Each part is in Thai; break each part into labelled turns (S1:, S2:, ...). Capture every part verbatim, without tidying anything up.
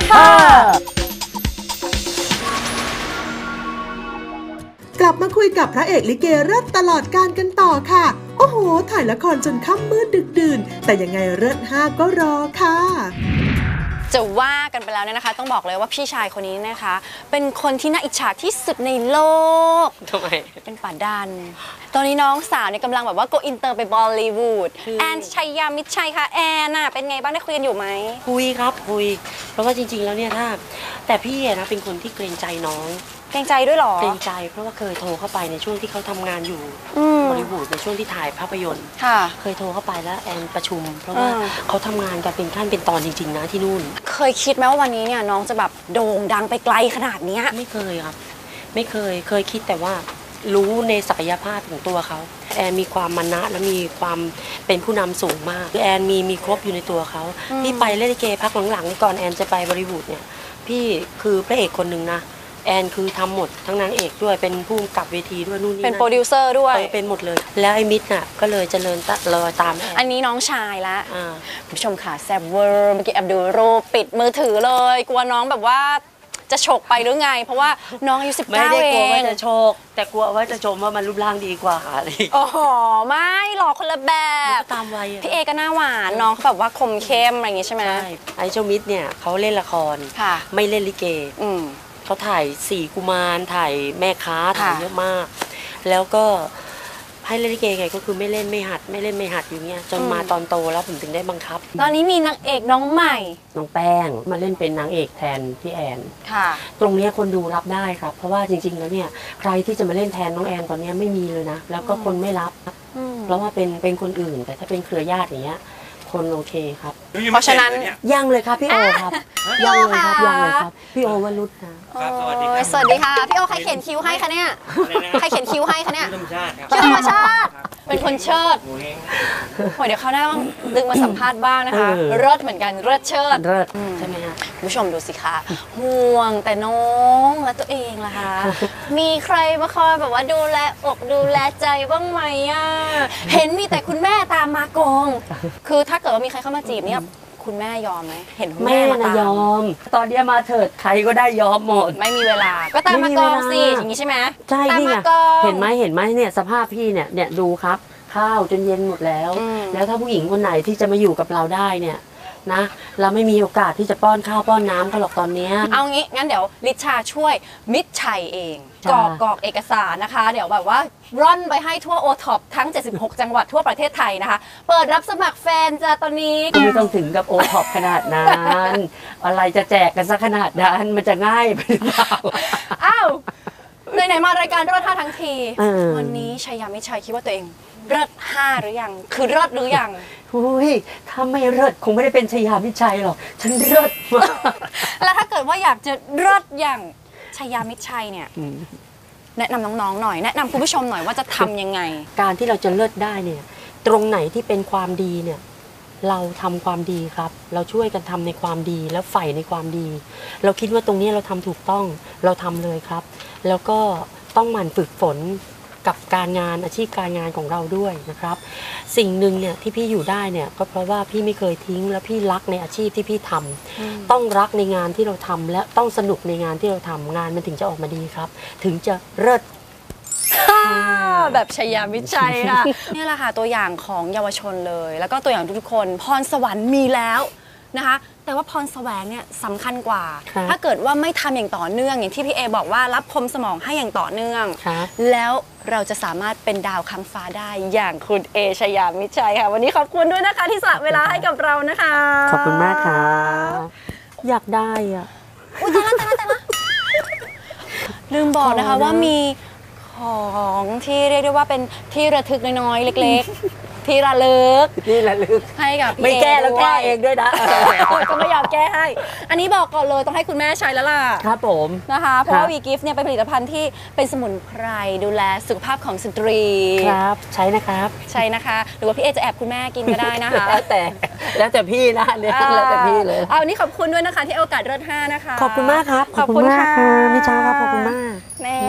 S1: ห้ากลับมาคุยกับพระเอกลิเกเลิศตลอดการกันต่อค่ะโอ้โหถ่ายละครจนค่ำมืดดึกดื่นแต่ยังไงเลิศห้าก็รอค่ะ
S2: จะว่ากันไปแล้วเนี่ยนะคะต้องบอกเลยว่าพี่ชายคนนี้นะคะเป็นคนที่น่าอิจฉาที่สุดในโลก
S3: ทำไม
S2: เป็นป่าดันตอนนี้น้องสาวเนี่ยกำลังแบบว่าโกอินเตอร์ไปบอลลีวูดแอนชัยยามิตรชัยค่ะแอนน่ะเป็นไงบ้างได้คุยกันอยู่ไหม
S3: คุยครับคุยเพราะว่าจริงๆแล้วเนี่ยถ้าแต่พี่นะเป็นคนที่เกรงใจน้อง
S2: เกรงใจด้วยหรอ
S3: เกรงใจเพราะว่าเคยโทรเข้าไปในช่วงที่เขาทำงานอยู่บอลลีวูดในช่วงที่ถ่ายภาพยนตร์เคยโทรเข้าไปแล้วแอนประชุมเพราะว่าเขาทำงานกันเป็นขั้นเป็นตอนจริงๆนะที่นู่น
S2: เคยคิดไหมว่าวันนี้เนี่ยน้องจะแบบโด่งดังไปไกลขนาดนี้
S3: ไม่เคยครับไม่เคยเคยคิดแต่ว่ารู้ในศักยภาพของตัวเขาแอนมีความมานะและมีความเป็นผู้นำสูงมากแอนมีมีครบอยู่ในตัวเขาพี่ไปเล่นลิเกพักหลังๆนี่ก่อนแอนจะไปบอลลีวูดเนี่ยพี่คือพระเอกคนหนึ่งนะแอนคือทำหมดทั้งนางเอกด้วยเป็นผู้กำกับเวทีด้วยนู่นนี่
S2: เป็นโปรดิวเซอร์ด้วย
S3: เป็นหมดเลยแล้วไอ้มิตรน่ะก็เลยเจริญรอยตามแอน
S2: อันนี้น้องชายละคุณผู้ชมค่ะแซบเวอร์เมื่อกี้แอบดูรูปปิดมือถือเลยกลัวน้องแบบว่าจะฉกไปหรือไงเพราะว่าน้องอายุสิบเก้าเองไม่ได้
S3: กลัวว่าจะโชคแต่กลัวว่าจะชมว่ามันรูปร่างดีกว่าอะไร
S2: โอ้โหไม่หรอกคนละแบบ
S3: ตามวัย
S2: พี่เอก็หน้าหวานน้องเขาแบบว่าคมเข้มอะไรอย่างงี้ใช่ไหม
S3: ใช่ไอ้เจ้ามิตรเนี่ยเขาเล่นละครไม่เล่นลิเกเขาถ่ายสี่กุมารถ่ายแม่ค้าถ่ายเยอะมากแล้วก็ให้เล่นลิเกไงก็คือไม่เล่นไม่หัดไม่เล่นไม่หัดอยู่เงี้ยจนมาตอนโตแล้วผมถึงได้บังคับ
S2: ตอนนี้มีนางเอกน้องใหม่
S3: น้องแป้งมาเล่นเป็นนางเอกแทนพี่แอนค่ะตรงนี้คนดูรับได้ครับเพราะว่าจริงๆแล้วเนี่ยใครที่จะมาเล่นแทนน้องแอนตอนนี้ไม่มีเลยนะแล้วก็คนไม่รับเพราะว่าเป็นเป็นคนอื่นแต่ถ้าเป็นเครือญาติอย่างเงี้ยคนโอเคครับ
S2: เพราะฉะนั้น
S3: ยังเลยครับพี่โอครับยังเลยครับยังเลยครับพี่โอวรุษนะ
S2: สวัสดีค่ะสวัสดีค่ะพี่โอใครเขียนคิ้วให้คะเนี่ยใครเขียนคิ้วให้คะเนี่ยคิ้วธรรมชาติเป็นคนเชิดโอ้ยเดี๋ยวเขาได้ต้องดึงมาสัมภาษณ์บ้างนะคะเลิศเหมือนกันเลิศเชิด
S3: เลิศใช่ไหมคะ
S2: คุณผู้ชมดูสิคะห่วงแต่น้องและตัวเองล่ะคะมีใครมาคอยแบบว่าดูแลอกดูแลใจบ้างไหมอ่ะเห็นมีแต่คุณแม่ตามมากองคือถ้าเกิดว่ามีใครเข้ามาจีบเนี่ยคุณแม่ยอมไหมเห็น
S3: แม่มาตามยอมตอนนี้มาเถิดใครก็ได้ยอมหมด
S2: ไม่มีเวลาก็ตามมากองสิอย่างนี้ใช่ไหม
S3: ใช่นี่ไงเห็นไหมเห็นไหมเนี่ยสภาพพี่เนี่ยเนี่ยดูครับข้าวจนเย็นหมดแล้วแล้วถ้าผู้หญิงคนไหนที่จะมาอยู่กับเราได้เนี่ยนะเราไม่มีโอกาสที่จะป้อนข้าวป้อนน้ำเขาหรอกตอนนี้
S2: เอางี้งั้นเดี๋ยวลิชาช่วยมิตรชัยเองกรอกกรอกเอกสารนะคะเดี๋ยวแบบว่าร่อนไปให้ทั่วโอท็อปทั้งเจ็ดสิบหกจังหวัดทั่วประเทศไทยนะคะเปิดรับสมัครแฟนจ้าตอนนี้
S3: ไม่ต้องถึงกับโอท็อปขนาดนั้นอะไรจะแจกกันซะขนาดนั้นมันจะง่ายไปหรือเปล่า
S2: อ้าวไหนๆมารายการเลิศห้าทั้งทีวันนี้ชัยยามิตรชัยคิดว่าตัวเองเลิศห้าหรือยังคือเลิศหรือยัง
S3: อุ้ยถ้าไม่เลิศคงไม่ได้เป็นชัยยามิตรชัยหรอกฉันเลิศมาก
S2: แล้วถ้าเกิดว่าอยากจะเลิศอย่างชัยยามิตรชัยเนี่ยแนะนำน้องๆหน่อยแนะนำคุณผู้ชมหน่อยว่าจะทำยังไง
S3: การที่เราจะเลิศได้เนี่ยตรงไหนที่เป็นความดีเนี่ยเราทำความดีครับเราช่วยกันทำในความดีแล้วใฝ่ในความดีเราคิดว่าตรงนี้เราทำถูกต้องเราทำเลยครับแล้วก็ต้องหมั่นฝึกฝนกับการงานอาชีพการงานของเราด้วยนะครับสิ่งหนึ่งเนี่ยที่พี่อยู่ได้เนี่ยก็เพราะว่าพี่ไม่เคยทิ้งและพี่รักในอาชีพที่พี่ทำต้องรักในงานที่เราทำและต้องสนุกในงานที่เราทำงานมันถึงจะออกมาดีครับถึงจะเลิศ
S2: แบบชัยยามิตรชัยค่ะนี่แหละค่ะตัวอย่างของเยาวชนเลยแล้วก็ตัวอย่างทุกคนพรสวรรค์มีแล้วนะคะแต่ว่าพรแสวงเนี่ยสำคัญกว่าถ้าเกิดว่าไม่ทำอย่างต่อเนื่องอย่างที่พี่เอบอกว่ารับคมสมองให้อย่างต่อเนื่องแล้วเราจะสามารถเป็นดาวค้างฟ้าได้อย่างคุณเอชัยยามิตรชัยค่ะวันนี้ขอบคุณด้วยนะคะที่สละเวลาให้กับเรานะคะ
S3: ขอบคุณมากค่ะอยากได้อ่ะ
S2: อุ้ยตายแล้วตายแล้วตายแล้วลืมบอกนะคะว่ามีของที่เรียกได้ว่าเป็นที่ระทึกน้อยๆเล็กๆที่ระลึก
S3: ที่ระลึก
S2: ให้กับ
S3: ไม่แก้แล้วแก้เองด้วยนะ
S2: ก็ไม่อยากแก้ให้อันนี้บอกก่อนเลยต้องให้คุณแม่ใช้แล้วล่ะ
S3: ครับผม
S2: นะคะเพราะว่าวีกิฟต์เนี่ยเป็นผลิตภัณฑ์ที่เป็นสมุนไพรดูแลสุขภาพของสตรี
S3: ครับใช้นะครับ
S2: ใช่นะคะหรือว่าพี่เอจะแอบคุณแม่กินก็ได้นะคะ
S3: แล้วแต่แล้วแต่พี่นะเนี่ยแล้วแต่พี่เลย
S2: เอาวันนี้ขอบคุณด้วยนะคะที่โอกาสเลิศห้านะคะ
S3: ขอบคุณมากครับขอบคุณมากค่ะมิชาครับขอบคุณมาก
S2: แน่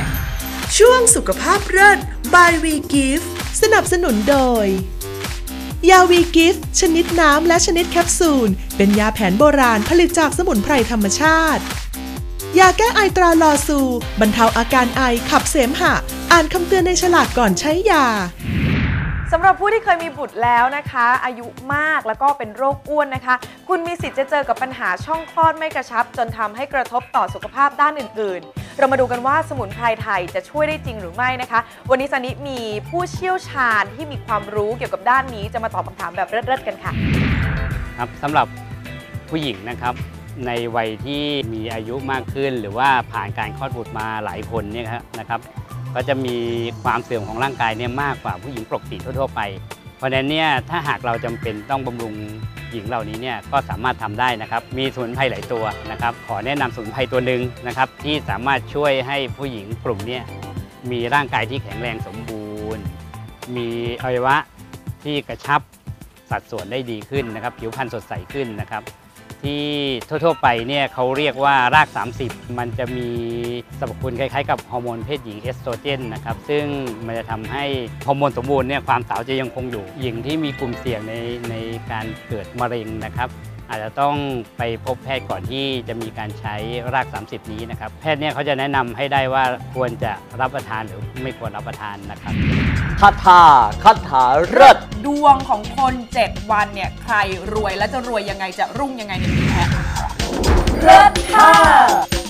S1: ช่วงสุขภาพเลิศ by We Give สนับสนุนโดยยาวีกิฟต์ชนิดน้ำและชนิดแคปซูลเป็นยาแผนโบราณผลิตจากสมุนไพรธรรมชาติยาแก้ไอตราลอซูบรรเทาอาการไอขับเสมหะอ่านคำเตือนในฉลากก่อนใช้ยา
S4: สำหรับผู้ที่เคยมีบุตรแล้วนะคะอายุมากแล้วก็เป็นโรคอ้วนนะคะคุณมีสิทธิ์จะเจอกับปัญหาช่องคลอดไม่กระชับจนทำให้กระทบต่อสุขภาพด้านอื่นๆเรามาดูกันว่าสมุนไพรไทยจะช่วยได้จริงหรือไม่นะคะวันนี้ซันนิมีผู้เชี่ยวชาญที่มีความรู้เกี่ยวกับด้านนี้จะมาตอบคำถามแบบเลิศๆกันค่ะ
S5: ครับสำหรับผู้หญิงนะครับในวัยที่มีอายุมากขึ้นหรือว่าผ่านการคลอดบุตรมาหลายคนเนี่ยนะครับก็จะมีความเสื่อมของร่างกายเนี่ยมากกว่าผู้หญิงปกติทั่วๆไปเพราะฉะนั้นเนี่ยถ้าหากเราจำเป็นต้องบำรุงหญิงเหล่านี้เนี่ยก็สามารถทำได้นะครับมีสมุนไพรหลายตัวนะครับขอแนะนำสมุนไพรตัวหนึ่งนะครับที่สามารถช่วยให้ผู้หญิงกลุ่มนี้มีร่างกายที่แข็งแรงสมบูรณ์มีอวัยวะที่กระชับสัดส่วนได้ดีขึ้นนะครับผิวพรรณสดใสขึ้นนะครับที่ทั่วๆไปเนี่ยเขาเรียกว่ารากสามสิบมันจะมีสรรพคุณคล้ายๆกับฮอร์โมนเพศหญิงเอสโตรเจนนะครับซึ่งมันจะทำให้ฮอร์โมนสมบูรณ์เนี่ยความสาวจะยังคงอยู่หญิงที่มีกลุ่มเสี่ยงในในการเกิดมะเร็งนะครับอาจจะต้องไปพบแพทย์ก่อนที่จะมีการใช้รากสามสิบนี้นะครับแพทย์เนี่ยเขาจะแนะนำให้ได้ว่าควรจะรับประทานหรือไม่ควรรับประทานนะครับ
S6: คาถาคาถาเลิศ
S4: ดวงของคนเจ็ดวันเนี่ยใครรวยและจะรวยยังไงจะรุ่งยังไงเนี่ยเลิศค่ะ